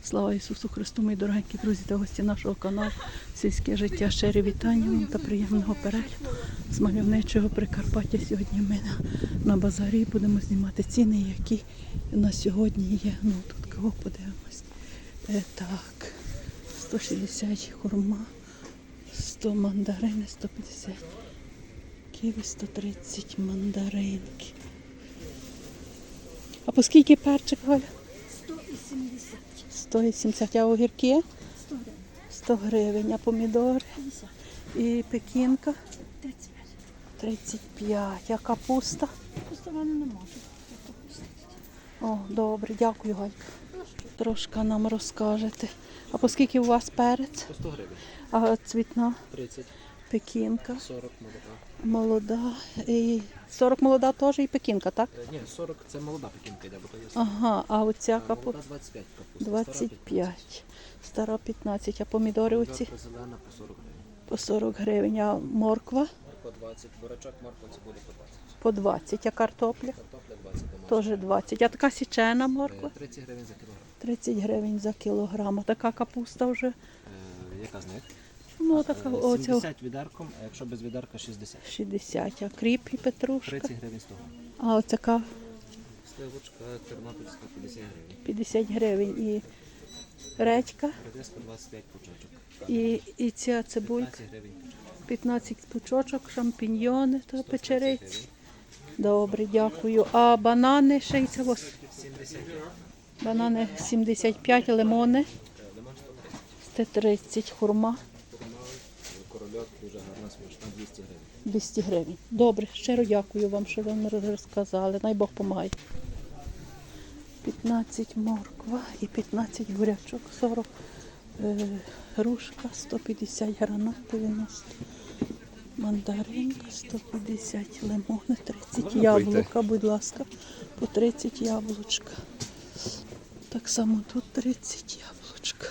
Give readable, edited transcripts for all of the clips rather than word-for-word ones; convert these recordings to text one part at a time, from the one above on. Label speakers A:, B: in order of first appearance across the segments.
A: Слава Ісусу Христу, мої дорогенькі друзі та гості нашого каналу «Сільське життя». Щирі вітання вам та приємного перегляду з мальовничого Прикарпаття. Сьогодні ми на базарі будемо знімати ціни, які на сьогодні є. Ну, тут кого подивимось. Так, 160 хурма, 100 мандарини, 150 ківі, 130 мандаринки. А по скільки перчик, Галя?
B: 180.
A: 180, а огірки?
B: 100 гривень.
A: 100 гривень, а помідори?
B: 50.
A: І пекінка?
B: 35.
A: 35, а капуста?
B: Просто вони не можуть.
A: О, добре, дякую, Галька. Трошки нам розкажете. А по скільки у вас перець?
C: По 100 гривень.
A: А цвітна?
C: 30,
A: Пекінка?
C: 40 молода.
A: Молода. І 40 молода теж і пекінка, так?
C: Ні, 40 це молода пекінка йде, бо то є
A: Ага, а оця
C: молода
A: капуста?
C: 25 капуста.
A: 25. Стара 15, а помідори оці?
C: Помідорка зелена по 40 гривень.
A: По 40 гривень, а морква?
C: По 20, бурачок, морква, цибуля по 20.
A: По 20, а картопля?
C: Картопля 20 домашня.
A: Теж 20. А така січена морква?
C: 30 гривень за кілограм.
A: 30 гривень за кілограм. А така капуста вже?
C: Яка з них?
A: Ну, така оця
C: 70 відерком, а якщо без відерка 60.
A: 60. А кріп і петрушка?
C: 30 гривень 100 гривень.
A: А оцяка
C: Сливочка тернопільська 50 гривень.
A: 50 гривень. І редька,
C: Редиска 25 пучочок.
A: і ця цибулька
C: 15 гривень пучочок.
A: 15 пучочок, шампіньйони та
C: 120
A: печериці.
C: гривень.
A: Добре, дякую. А банани ще й це ось.
C: 70 гривень.
A: Банани 75, лимони
C: Лимон 130.
A: 130, хурма
C: Корольок дуже гарна, смачна, 200 гривень.
A: 200 гривень. Добре, щиро дякую вам, що ви нам розказали. Най Бог помагає. 15 морква і 15 бурячок, 40 грушка, 150 гранат, 90 мандаринка, 150 лимони, 30 яблука, будь ласка, по 30 яблучка. Так само тут 30 яблучка.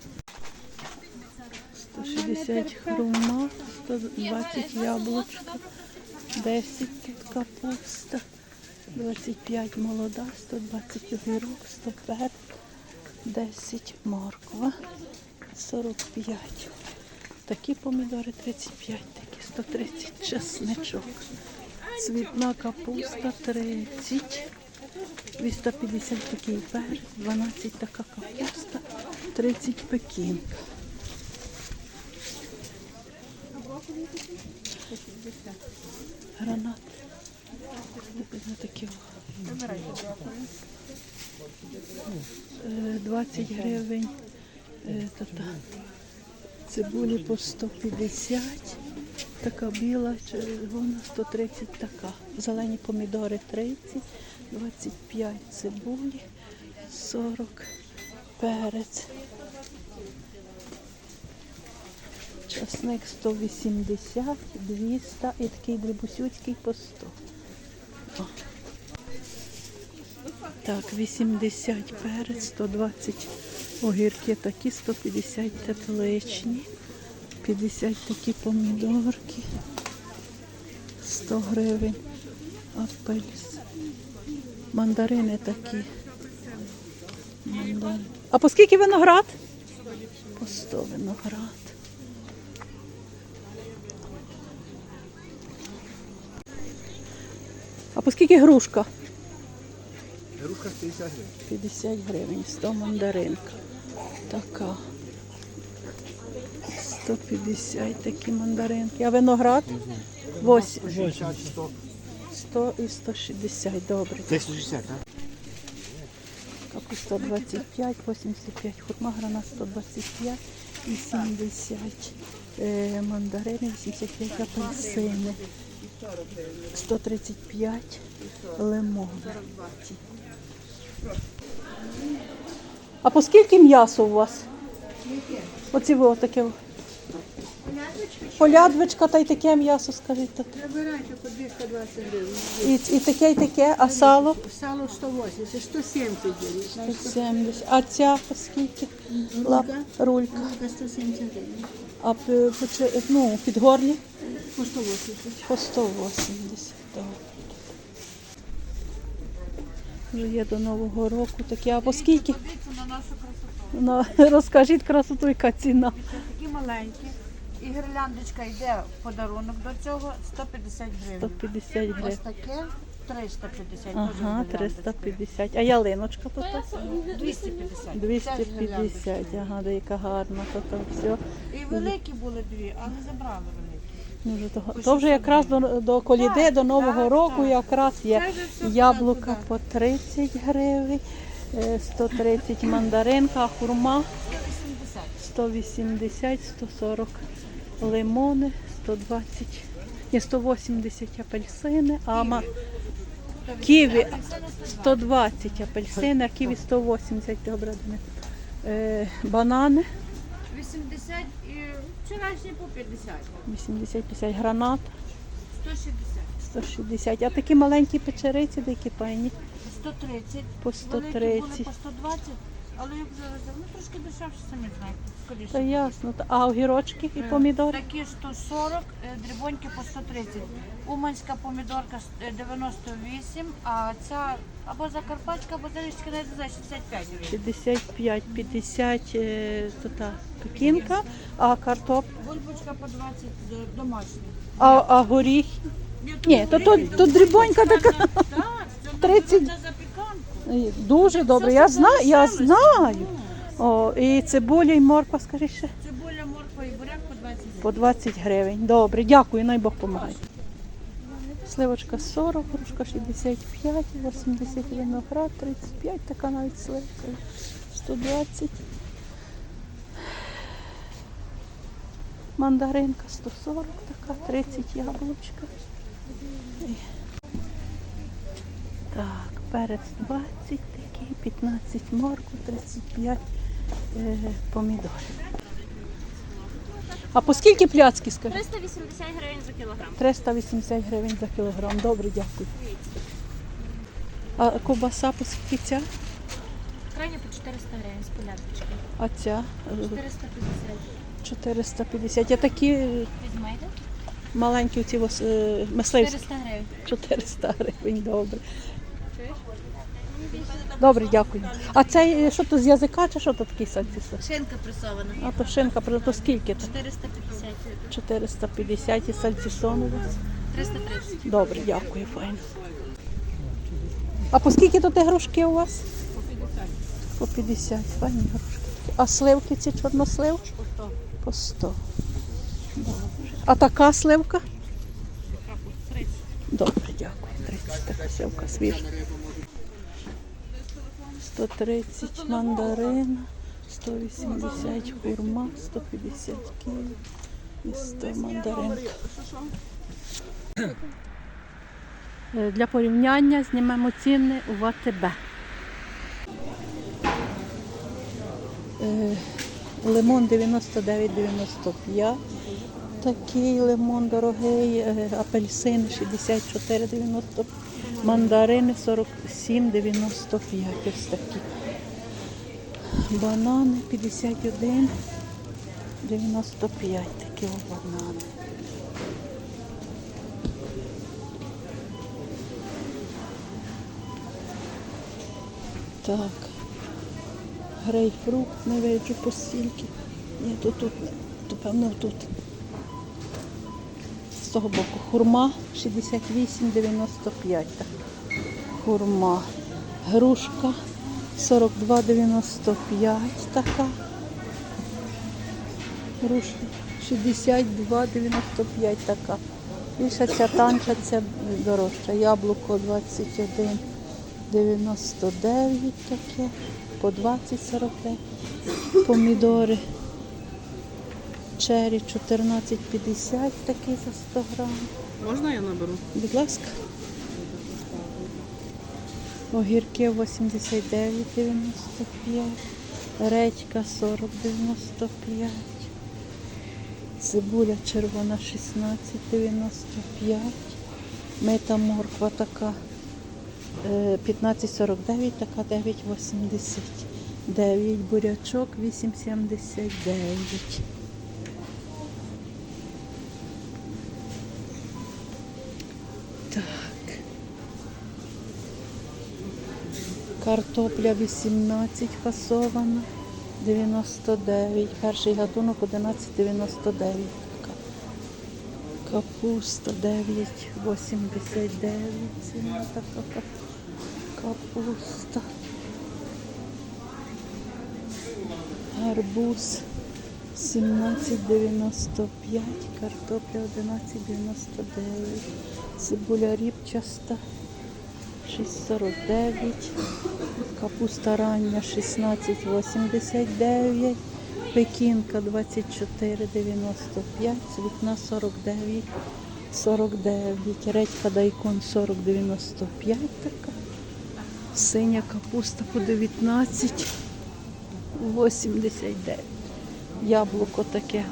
A: 160 хрума, 120 яблучка, 10 тут капуста, 25 молода, 120 огірок, 100 перець, 10 морква, 45. Такі помідори 35, такі 130 чесничок. Цвітна капуста 30, 250 такий перець, 12 така капуста, 30 пекінка. Гранат. На такі 20 гривень. Цибулі по 150. Така біла, червона, 130 така. Зелені помідори 30, 25 цибулі, 40 перець. Часник 180, 200 і такий дрібусюцький по 100. О. Так, 80 перець, 120 огірки такі, 150 тепличні, 50 такі помідорки, 100 гривень апельс. Мандарини такі. А по скільки виноград? По 100 виноград. А по скільки грушка?
C: Грушка 50 гривень.
A: 50 гривень, 100 мандаринка. Така. 150 такі мандаринки. А виноград? 8.
C: 100.
A: 100 і 160. Добре.
C: Це 160, так?
A: Капуста 25, 85, хурма, гранат 125, 80 мандарини, 85 апельсини, 135 лимон. А по скільки м'ясо у вас? Оці ви таке. Полядвичка та й таке м'ясо, скажіть.
B: Вибирайте по 220 гривень.
A: І таке, а сало?
B: Сало 180, 170 гривень.
A: 170. А ця по скільки? Рулька.
B: Рулька 170 гривень.
A: А підгорні?
B: По 180.
A: По 180. Так. Вже є до Нового року такі. А по скільки? Ну, розкажіть красоту, яка ціна.
D: Такі маленькі. І гірляндочка йде в подарунок до цього 150 гривень.
A: 150
D: Ось
A: гривень.
D: таке 350.
A: Ага,
D: теж гірляндочка.
A: 350. А ялиночка тут?
D: 250.
A: 250. Ага, яка гарна. То все.
D: І великі були дві, але забрали великі.
A: Ну, то вже якраз до коліди, до Нового
D: так,
A: року
D: так.
A: якраз є
D: Це вже все
A: яблука
D: туди.
A: по 30 гривень, 130 мандаринка, а хурма 180, 140 лимони, 120, ні, 180 апельсини, ківі 120 апельсини, а ківі 180 обрадини. Банани
D: 80 і вчорашні по 50.
A: 80-50, гранат
D: 160.
A: 160. А такі маленькі печериці, деякі пані
D: 130.
A: по
D: Великі були
A: 130.
D: по 120, але як зараз, ну трошки дешевше, самі знаєте, скоріше.
A: Та ясно. А огірочки і помідори?
D: Такі 140, дрібоньки по 130. Уманська помідорка 98, а ця або закарпатська, або залічка, не знаю, 65 гривень.
A: 65, 50 то та пекінка, а картоп,
D: Бульбочка по 20 домашня.
A: а горіх. Ні, то дрібонька така.
D: Так, це
A: 30.
D: на запіканку.
A: Дуже добре. Я знаю. О, і цибуля, і морква, скажи ще.
D: Цибуля, морква і буряк по 20 гривень.
A: По 20 гривень. Добре, дякую, най Бог помагає. Сливочка 40, грушка 65, 80 виноград, 35, така навіть сливка, 120. Мандаринка 140, така, 30 яблучка. Так, перець 20 такий, 15 морква, 35 помідорів. А по скільки пляцки, скажи?
E: 380 гривень за кілограм.
A: 380 гривень за кілограм. Добре, дякую. А ковбаса по скільки ця?
E: Крайня по 400 гривень з поляточки.
A: А ця?
E: 450.
A: 450. А такі
E: Візьмете?
A: маленькі оці мисливські?
E: 400 гривень.
A: 400 гривень, добре. Добре, дякую. А це що то з язика чи що то такий сальцісон?
E: Шинка пресована.
A: А то шинка, то скільки? То?
E: 450.
A: 450 і сальцісон у вас?
E: 330.
A: Добре, дякую, файно. А по скільки тут грушки у вас? По 50, файні грушки. А сливки ці чорнослив? По 100. Добре. А така сливка? Добре, дякую. 30 така сливка свіжа. 130 мандарин, 180 хурма, 150 ківі і 100 мандаринка. Для порівняння знімемо ціни у АТБ. Лимон 99,95. Такий лимон дорогий, апельсин 64,95, мандарини 47,95. Ось такі. Банани 51,95. Такі банани. Так. Грейпфрут не виджу по стільки. Ні, то певно тут. З того боку. Хурма 68,95. Так. Хурма. Грушка 42,95 така. Грушка 62,95 така. Більша ця танча, ця дорожча. Яблуко 21,99 таке. По 20,45. Помідори чері 14,50 такий за 100 грам.
B: Можна я наберу?
A: Будь ласка. Огірки 89,95. Редька 40,95. Цибуля червона 16,95. Мита морква така 15,49, така 9,89. Бурячок 8,79. Так. Картопля 18 фасована. 99. Перший гатунок 11,99. Така. Капуста 9,89. Ціна така капуста. Арбуз 17,95, картопля 11,99, цибуля ріпчаста 6,49, капуста рання 16,89, пекінка 24,95, цвітна 49,49, редька дайкон 40,95 така, синя капуста по 19,89. Яблуко таке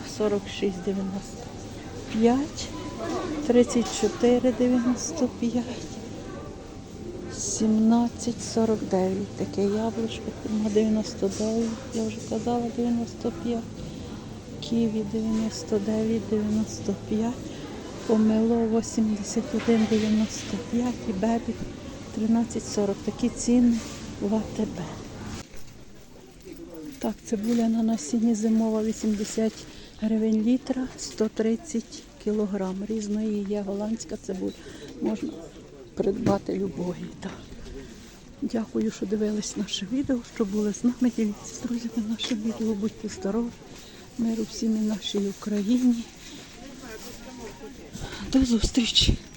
A: 46,95, 34,95, 17,49. Таке яблучко, фірма 99, я вже казала 95, ківі 99,95, помело 81,95 і бебі 13,40. Такі ціни в АТБ. Так, цибуля на насінні зимова 80 гривень літра, 130 кілограм. Різної є голландська цибуля. Можна придбати любої. Так. Дякую, що дивились наше відео, що були з нами. Дивіться з друзями наше відео. Будьте здорові. Миру всім і нашій Україні. До зустрічі!